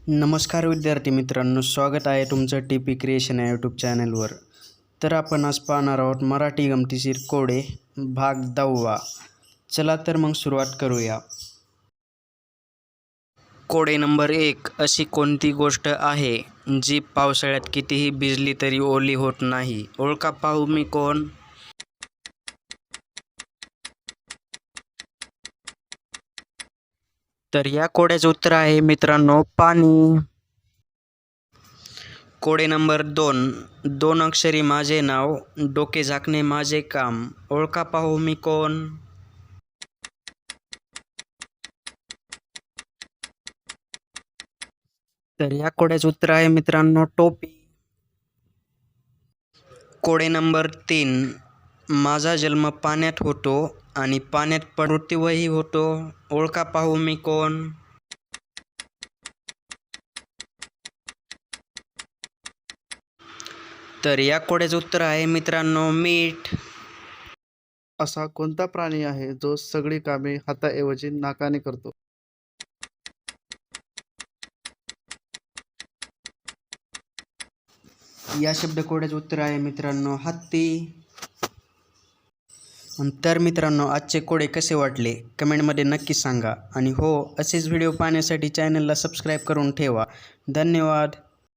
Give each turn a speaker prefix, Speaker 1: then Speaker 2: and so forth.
Speaker 1: नमस्कार विद्यार्थी मित्रांनो, स्वागत आहे तुमचं टी पी क्रिएशन या यूट्यूब चॅनलवर. तर आपण आज पाहणार आहोत मराठी गमतीशीर कोडे भाग 10. चला तर मग सुरुवात करूया. कोडे नंबर 1. अशी कोणती गोष्ट आहे जी पावसाळ्यात कितीही भिजली तरी ओली होत नाही? ओळखा पाहू मी कोण? तर या कोड्याचं उत्तर आहे मित्रांनो, पाणी. कोडे नंबर 2. 2 अक्षरी माझे नाव, डोके झाकणे माझे काम. ओळखा पाहू मी कोण? तर या कोड्याचं उत्तर आहे मित्रांनो, टोपी. कोडे नंबर 3. माझा जन्म पाण्यात होतो आणि पाण्यात मृत्यूही होतो. ओळखा पाहू मी कोण? तर या कोड्याचं उत्तर आहे मित्रांनो, मीठ.
Speaker 2: असा कोणता प्राणी आहे जो सगळी कामे हाताऐवजी नाकाने करतो?
Speaker 1: या शब्दकोड्याचं उत्तर आहे मित्रांनो, हत्ती. तर मित्रांनो, आजचे कोडे कसे वाटले कमेंटमध्ये नक्की सांगा. आणि हो, असेच व्हिडिओ पाहण्यासाठी चॅनलला सबस्क्राईब करून ठेवा. धन्यवाद.